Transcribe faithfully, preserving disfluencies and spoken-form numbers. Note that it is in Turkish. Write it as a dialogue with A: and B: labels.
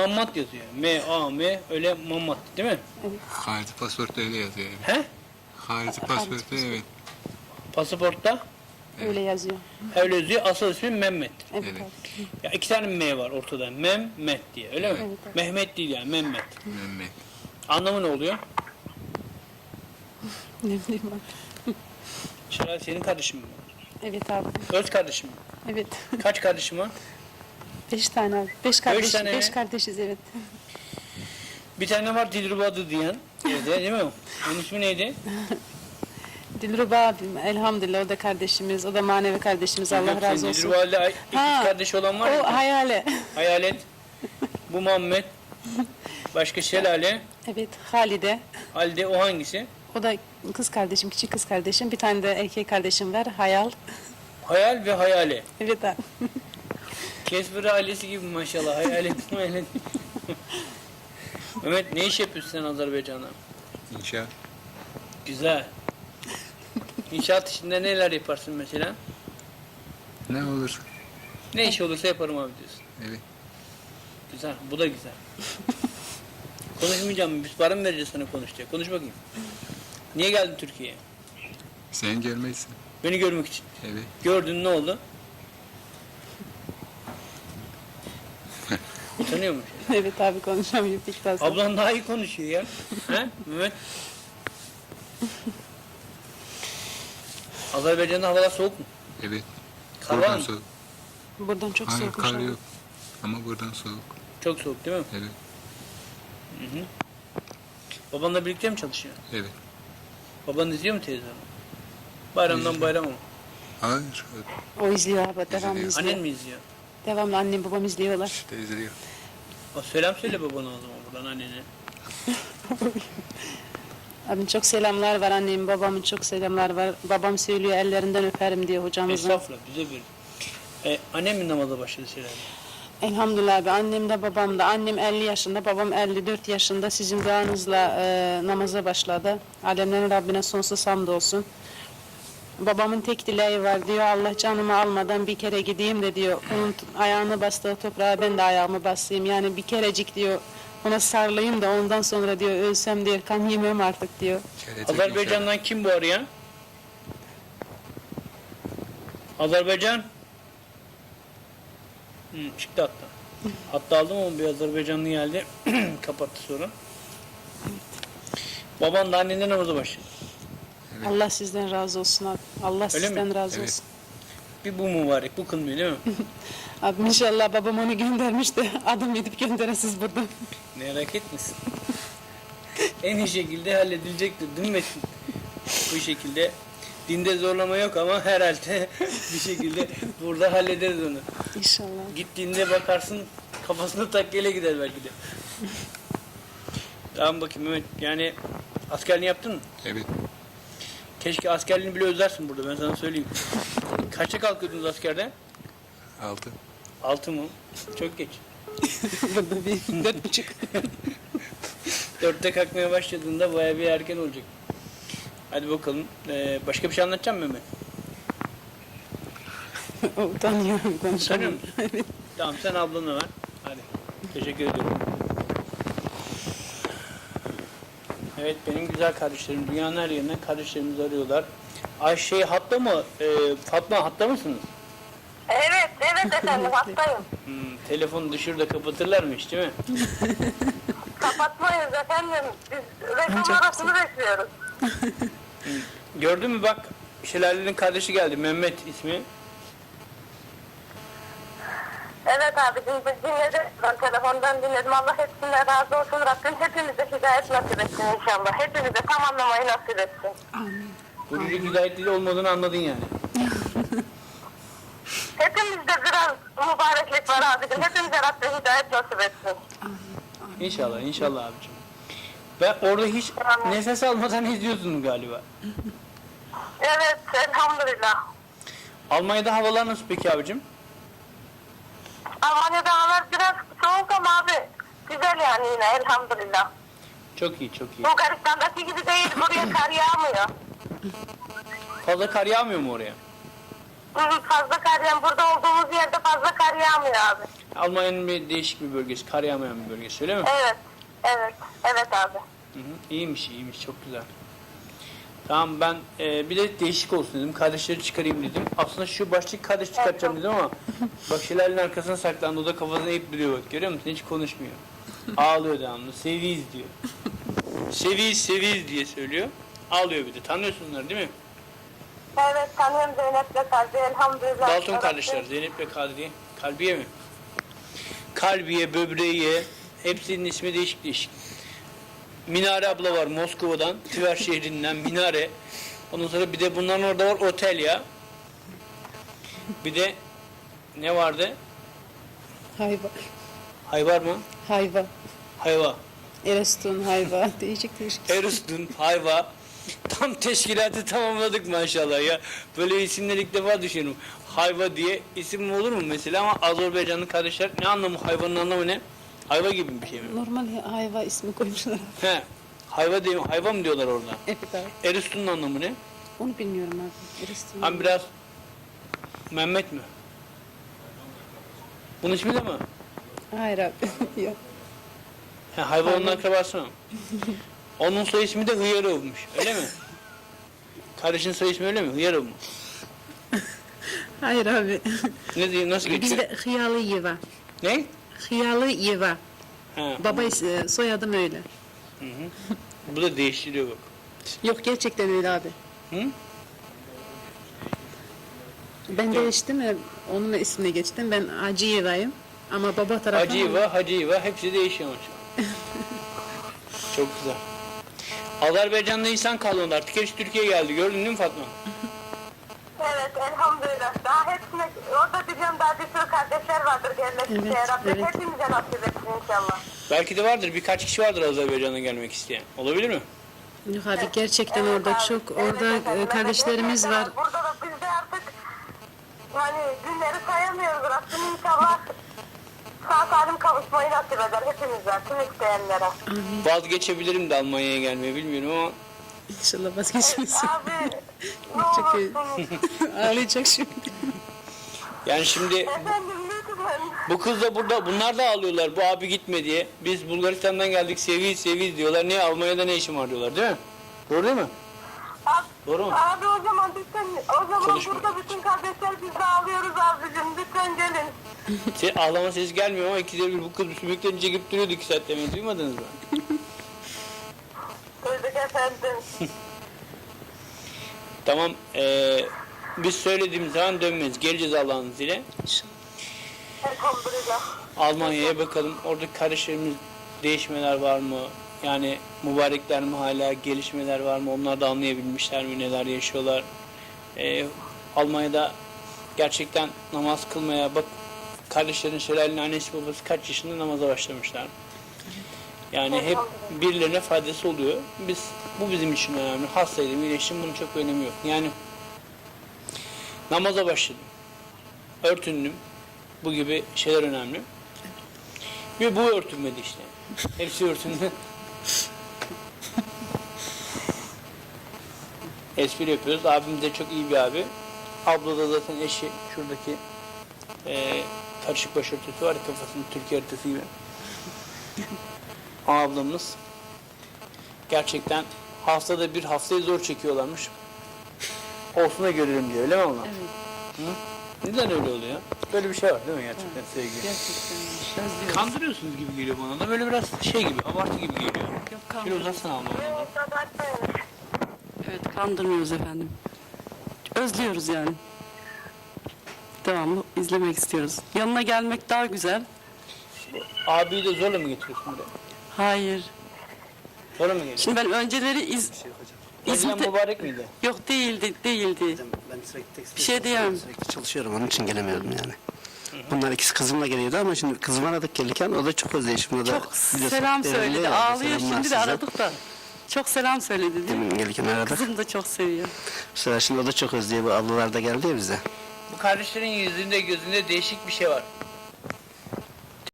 A: Mammat yazıyor. M A M öyle Mammat değil mi?
B: Harici pasaportta öyle yazıyor. Evet.
A: He?
B: Harici pasaportta evet.
A: Pasaportta
C: Öyle yazıyor.
A: öyle yazıyor. Asıl ismi Mehmet.
C: Evet,
B: Evet.
C: abi.
A: Ya iki tane M var ortada. Mehmet diye öyle mi?
C: Evet, evet.
A: Mehmet değil yani Mehmet.
B: Mehmet.
A: Anlamı ne oluyor?
C: Ne bileyim abi.
A: Şeray senin kardeşin mi?
C: Evet abi.
A: Öz kardeşim mi?
C: Evet.
A: Kaç kardeşim var?
C: Beş tane abi. Beş kardeş.
A: tane
C: Beş
A: mi?
C: kardeşiz evet.
A: Bir tane var Dilruba diyen. Evde değil mi o? Onun ismi neydi?
C: Dilruba abim elhamdülillah o da kardeşimiz. O da manevi kardeşimiz. Allah razı olsun.
A: Dilruba ile ikiz
C: Ha,
A: kardeşi olan var
C: O
A: mı?
C: hayale.
A: Hayalet. Bu Muhammed. Başka Şelale.
C: Evet Halide.
A: Halide o hangisi?
C: O da kız kardeşim, küçük kız kardeşim. Bir tane de erkek kardeşim var. Hayal.
A: Hayal ve Hayale.
C: Evet abi.
A: Kesper ailesi gibi maşallah. Hayalet hayalet. Mehmet ne iş yapıyorsun sen Azerbaycan'da?
B: İnşaat.
A: Güzel. İnşaat işinde neler yaparsın mesela?
B: Ne olur?
A: Ne iş olursa yaparım abi diyorsun.
B: Evet.
A: Güzel. Bu da güzel. Konuşmayacağım mı? Biz para mı vereceğiz sana konuş diye. Konuş bakayım. Niye geldin Türkiye'ye?
B: Sen gelmezsin.
A: Beni görmek için.
B: Evet.
A: Gördün ne oldu? Utanıyor musun?
C: Evet abi konuşamıyor pek fazla.
A: Ablan daha iyi konuşuyor ya. He Mehmet? Azerbaycan'da havalar soğuk mu?
B: Evet.
A: Kar var
B: Buradan
A: mı?
B: soğuk.
C: Buradan çok
B: Hayır
C: soğukmuş
B: kar
C: abi.
B: yok. Ama buradan soğuk.
A: Çok soğuk değil mi?
B: Evet.
A: Hı hı. Babanla birlikte mi çalışıyor?
B: Evet.
A: Baban izliyor mu televizyonu? Bayramdan
B: İzliyor.
A: bayrama mı?
B: Hayır.
C: O izliyor abi. Devamlı
B: İzliyor.
C: izliyor.
A: Annen mi izliyor?
C: Devamlı annem babam izliyorlar.
B: İşte izliyor.
A: O selam söyle babana o zaman buradan annene.
C: Abim çok selamlar var annemin babamın çok selamlar var. Babam söylüyor ellerinden öperim diye hocamızın.
A: Estağfurullah bize bir. E, annem mi namaza başladı şeyler?
C: Elhamdülillah abi annem de babam da. Annem elli yaşında babam elli dört yaşında sizin duanızla e, namaza başladı. Alemlerin Rabbine sonsuz hamd olsun. Babamın tek dileği var diyor Allah canımı almadan bir kere gideyim de diyor. Onun t- ayağını bastığı toprağa ben de ayağımı basayım. Yani bir kerecik diyor ona sarılayım da ondan sonra diyor ölsem diyor kan yemem artık diyor.
B: Gelecek
A: Azerbaycan'dan kim bu arayan? Azerbaycan? Hı, çıktı hatta. Hatta aldım ama bir Azerbaycanlı geldi. Kapattı sonra. Baban da annenden namaza başladı.
B: Evet.
C: Allah sizden razı olsun abi. Allah
A: Öyle
C: sizden
A: mi?
C: razı
B: Evet.
C: olsun.
A: Bir bu mübarek, bu kılmıyor değil mi?
C: Abi inşallah babam onu göndermiş de adım edip gönderesiz buradan.
A: Merak etmesin. En iyi şekilde halledilecektir değil mi Metin? Bu şekilde. Dinde zorlama yok ama herhalde bir şekilde burada hallederiz onu.
C: İnşallah.
A: Gittiğinde bakarsın kafasına takkeyle gider belki de. Tamam bakayım Mehmet. Yani askerliğini yaptın mı?
B: Evet.
A: Keşke askerliğini bile özlersin burada ben sana söyleyeyim. Kaçta kalkıyordunuz askerden?
B: Altı.
A: Altı mı? Çok geç.
C: Burada bir dört buçuk.
A: Dörtte kalkmaya başladığında bayağı bir erken olacak. Hadi bakalım. Ee, başka bir şey anlatacağım mı Mehmet?
C: Utanıyorum
A: Utanıyor
C: konuşamıyorum.
A: musun? Tamam sen ablana ver. Hadi. Teşekkür ediyorum. Evet benim güzel kardeşlerim. Dünyanın her yerinden kardeşlerimizi arıyorlar. Ayşe hatta mı? Ee, Fatma hatta mısınız?
D: Evet, evet efendim hastayım.
A: Hmm, telefonu düşür kapatırlar mı hiç değil mi?
D: Kapatmayız efendim. Biz reklam arasını bekliyoruz.
A: Gördün mü bak Şelale'nin kardeşi geldi. Mehmet ismi.
D: Evet abicim biz dinledik. Ben telefondan dinledim. Allah hepsinden razı olsun. Rabbim hepimize hidayet nasip etsin inşallah. Hepimize tam anlamayı nasip etsin.
A: Bu çocuk hidayetli olmadığını anladın yani.
D: Hepimizde biraz mübareklik var abicim. Hepimize Rabbim hidayet nasip etsin.
A: İnşallah inşallah abicim. Ben orada hiç nefes almadan izliyorsun galiba.
D: Evet elhamdülillah.
A: Almanya'da havalar nasıl peki abicim?
D: Almanya'da havalar biraz soğuk ama abi güzel yani yine elhamdülillah.
A: Çok iyi çok iyi.
D: Bulgaristan'daki gibi değil. Buraya kar yağmıyor.
A: Fazla kar yağmıyor mu oraya?
D: Hı, fazla kar yağmıyor. Burada olduğumuz yerde fazla kar yağmıyor abi.
A: Almanya'nın bir değişik bir bölgesi, kar yağmayan bir bölgesi öyle mi?
D: Evet. Evet. Evet abi.
A: Hı hı. İyiymiş, iyiymiş, çok güzel. Tamam ben e, bir de değişik olsun dedim, kardeşleri çıkarayım dedim. Aslında şu baştaki kardeş çıkartacağım dedim ama bak Şelale'nin arkasına saklandı, o da kafasını eğip duruyor bak, görüyor musun? Hiç konuşmuyor. Ağlıyor devamlı, seviyiz diyor. Seviyiz, seviyiz diye söylüyor. Ağlıyor bir de, tanıyorsun onları değil mi?
D: Evet tanıyorum Zeynep'le Kadri elhamdülillah.
A: Dalton kardeşler, Zeynep ve Kadriye. Kalbiye mi? Kalbiye, Böbreğiye, hepsinin ismi değişik değişik. Minare abla var Moskova'dan, Tver şehrinden Minare. Ondan sonra bir de bunların orada var otel ya. Bir de ne vardı?
C: Hayva.
A: Hayvar mı?
C: Hayva.
A: Hayva.
C: Erestun hayva. Değişik değişik.
A: Erustun, Hayva. Tam teşkilatı tamamladık maşallah ya. Böyle isimleri ilk defa düşünüyorum. Hayva diye isim olur mu mesela, ama Azerbaycanlı kardeşler ne anlamı, hayvanın anlamı ne? Hayva gibi bir şey mi?
C: Normal hayva ismi koymuşlar.
A: He. Hayva diye, hayva mı diyorlar orada?
C: Evet abi.
A: Erustun'un anlamı ne?
C: Onu bilmiyorum abi. Erestun.
A: Hem biraz Mehmet mi? Bunun ismi de mi?
C: Hayır abi. Yok.
A: He, hayvan onun akrabası mı? Onun soy ismi de Hıyarov'muş. Öyle mi? Kardeşin soy ismi öyle mi? Hıyarov mu?
C: Hayır abi.
A: Ne diyor? Nasıl geçiyor?
C: Bizde Hıyalı Yeva.
A: Ne?
C: Hıyalı Yeva.
A: Ha.
C: Baba is- soyadım öyle.
A: Bu da değiştiriyor bak.
C: Yok gerçekten öyle abi.
A: Hı?
C: Ben değiştim ya, onun ismine geçtim. Ben Hacıyeva'yım. Ama baba tarafı...
A: Hacıyeva, Hacıyeva hepsi değişiyor maşallah. Çok güzel. Azerbaycan'da insan kalmadı artık. Hepsi Türkiye'ye geldi. Gördün değil mi Fatma?
D: Evet elhamdülillah. Daha hepsine orada biliyorum daha bir sürü kardeşler vardır gelmek
C: Evet,
D: isteyen. Rabbim
C: evet.
D: hepimize nasip etsin inşallah.
A: Belki de vardır. Birkaç kişi vardır Azerbaycan'a gelmek isteyen. Olabilir mi?
C: Yok abi gerçekten
D: Evet
C: orada
D: abi,
C: çok,
D: evet
C: orada
D: efendim,
C: e,
D: evet,
C: kardeşlerimiz
D: evet,
C: var.
D: Burada da biz de artık hani günleri sayamıyoruz. Rabbim inşallah sağ salim kavuşmayı nasip eder hepimize, tüm isteyenlere.
A: Vazgeçebilirim de Almanya'ya gelmeyi, bilmiyorum ama
C: İnşallah vazgeçmesin.
D: Abi ne
C: Çok iyi.
D: olursunuz.
C: Ağlayacak şimdi.
A: yani şimdi
D: Efendim lütfen.
A: bu kız da burada, bunlar da ağlıyorlar bu abi gitme diye. Biz Bulgaristan'dan geldik, seviyiz seviyiz diyorlar. Niye Almanya'da ne işim var diyorlar, değil mi? Doğru değil mi?
D: Abi,
A: Doğru mu?
D: abi o zaman lütfen, o zaman
A: Konuşma.
D: burada bütün kardeşler biz de ağlıyoruz abicim. Lütfen gelin.
A: Şey, ağlama sesi gelmiyor ama ikide bir bu kız sümüklerini çekip duruyordu iki saat demeyi, duymadınız mı?
D: Duyduk efendim.
A: Tamam, eee, biz söylediğimiz zaman dönmeyiz. Geleceğiz Allah'ın izniyle.
D: Elhamdülillah.
A: Almanya'ya bakalım. Oradaki kardeşlerimiz değişmeler var mı? Yani mübarekler mi hala, gelişmeler var mı? Onlar da anlayabilmişler mi? Neler yaşıyorlar? Eee, Almanya'da gerçekten namaz kılmaya bak, kardeşlerin Şelale'nin annesi babası kaç yaşında namaza başlamışlar. Yani hep birilerine faydası oluyor. Biz, bu bizim için önemli. Hastaydım, iyileştim, bunun çok önemi yok. Yani namaza başladım, örtündüm, bu gibi şeyler önemli. Ve bu örtünmedi işte. Hepsi örtündü. Espri yapıyoruz. Abim de çok iyi bir abi. Abla da zaten eşi, şuradaki eee karışık başörtüsü var ya, kafasında Türkiye haritası gibi. O ablamız gerçekten haftada bir, haftayı zor çekiyorlarmış. Olsun da görelim diyor, öyle mi abla?
C: Evet.
A: Hı? Neden öyle oluyor? Böyle bir şey var değil mi gerçekten sevgi?
C: Gerçekten. Özlüyoruz.
A: Kandırıyorsunuz gibi geliyor bana da, böyle biraz şey gibi, abartı gibi geliyor.
C: Yok,
A: Şöyle
C: kandırıyoruz.
A: uzatsana abla bana.
D: Evet, abartmayın.
E: Evet, kandırmıyoruz efendim. Özlüyoruz yani. Devamlı izlemek istiyoruz. Yanına gelmek daha güzel.
A: Abiyi de zorla mı getiriyorsun buraya?
E: Hayır.
A: Zorla mı getiriyorsun?
E: Şimdi ben önceleri iz...
A: Eskiden
E: İzmit'e...
A: mübarek miydi?
E: Yok değildi, değildi.
F: Ben sürekli tekstil
E: Bir şey diyemem.
F: sürekli çalışıyorum, onun için gelemiyordum yani. Bunlar ikisi kızımla geliyordu ama şimdi kızımı aradık gelirken o da çok özleyişim. O da
E: Çok
F: biliyorsun,
E: selam
F: devrimli
E: söyledi.
F: ya,
E: Ağlıyor
F: selamlar
E: şimdi de
F: size.
E: aradık da. Çok selam söyledi değil mi?
F: Demin gelirken aradık.
E: Kızım da çok seviyor.
F: Bu sefer şimdi o da çok özlüyor. Bu ablalar da geldi ya bize.
A: Bu kardeşlerin yüzünde, gözünde değişik bir şey var.